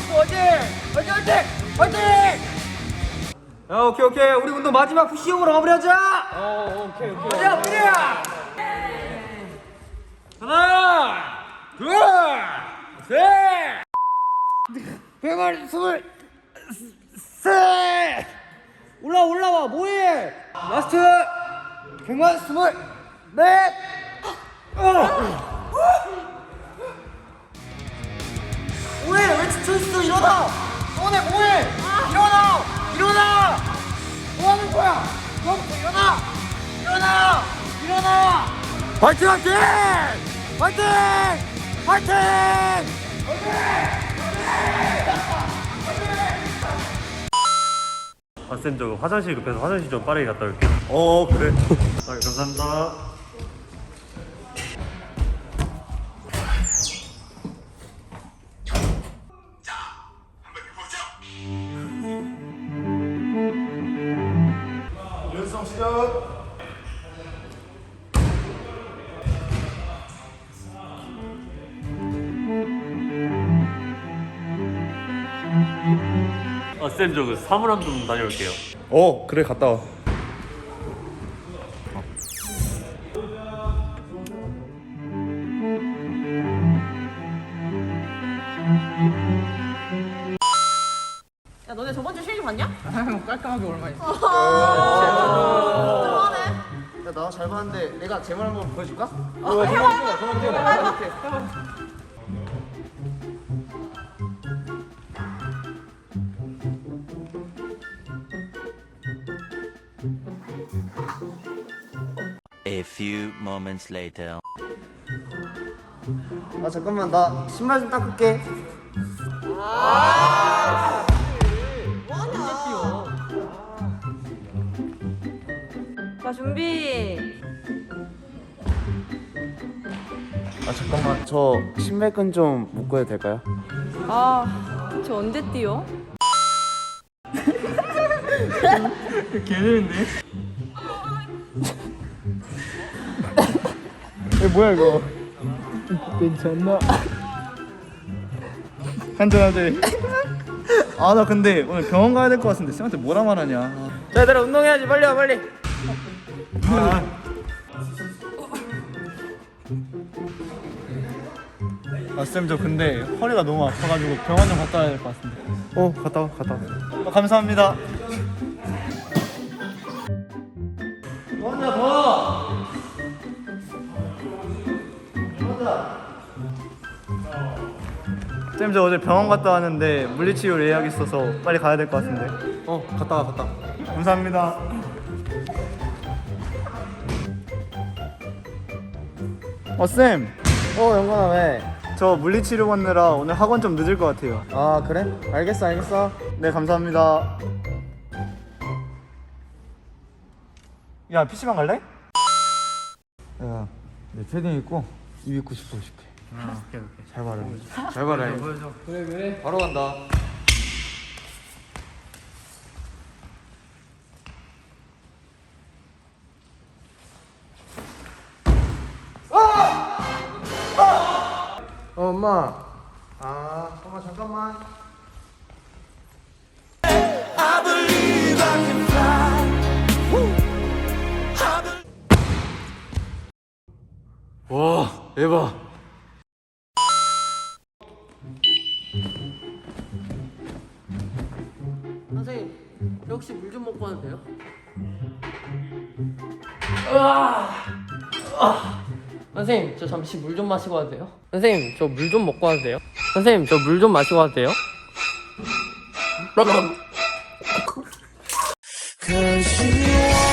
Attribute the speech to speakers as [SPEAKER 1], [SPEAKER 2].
[SPEAKER 1] 야, 오케이. 우리 운동 마지막 푸시업으로 마무리하자.
[SPEAKER 2] 오케이.
[SPEAKER 1] 가자, 뿌리야. 하나, 둘, 셋. 123. 올라와. 뭐해? 라스트. 124. 뭐해? 왜 지쳐있어? 일어나! 너네 뭐해? 일어나! 뭐하는 거야? 너부터 일어나! 화이팅!
[SPEAKER 3] 쌤, 저 화장실 급해서 화장실 좀 빠르게 갔다 올게요.
[SPEAKER 1] 그래.
[SPEAKER 3] 아, 감사합니다.
[SPEAKER 1] 연성 시작.
[SPEAKER 3] 쌤, 저 그 사물함 좀 다녀올게요.
[SPEAKER 1] 그래, 갔다 와.
[SPEAKER 4] 야, 너네 저번 주 실기 봤냐?
[SPEAKER 2] 깔끔하게 얼마 있어?
[SPEAKER 4] 그만해.
[SPEAKER 2] 야, 나 잘 봤는데 내가 제 말 한번 보여줄까?
[SPEAKER 5] A few moments later.
[SPEAKER 2] 아 잠깐만, 나 신발 좀 닦을게.
[SPEAKER 4] 자, 준비.
[SPEAKER 2] 아 잠깐만, 저 신발끈 좀 묶어도 될까요?
[SPEAKER 4] 저 언제 뛰어?
[SPEAKER 2] 뭐야 이거? 괜찮나? 한잔하지. 아 나 근데 오늘 병원 가야 될 것 같은데 쌤한테 뭐라 말하냐.
[SPEAKER 1] 자, 얘들아, 운동해야지. 빨리 와.
[SPEAKER 2] 아 쌤, 저 근데 허리가 너무 아파가지고 병원 좀 갔다 와야 될 것 같은데. 갔다 와. 감사합니다. 쌤, 저 어제 병원 갔다 왔는데 물리치료 예약 있어서 빨리 가야 될 것 같은데.
[SPEAKER 1] 갔다 와.
[SPEAKER 2] 감사합니다. 쌤.
[SPEAKER 6] 영건아 왜?
[SPEAKER 2] 저 물리치료 받느라 오늘 학원 좀 늦을 것 같아요.
[SPEAKER 6] 아 그래? 알겠어.
[SPEAKER 2] 네, 감사합니다. 야, PC방 갈래?
[SPEAKER 1] 야, 내 패딩 입고 입 입고 싶어 줄게.
[SPEAKER 2] 오케이.
[SPEAKER 1] 잘 봐라. 그래. 바로 간다.
[SPEAKER 6] 엄마. 엄마 잠깐만.
[SPEAKER 1] 와, 대박.
[SPEAKER 7] 선생님, 저 혹시 물 좀 먹고 와도 돼요? 선생님, 저 잠시 물 좀 마시고 와도 돼요? 선생님, 저 물 좀 먹고 와도 돼요? 선생님, 저 물 좀 마시고 와도 돼요?
[SPEAKER 5] Cause you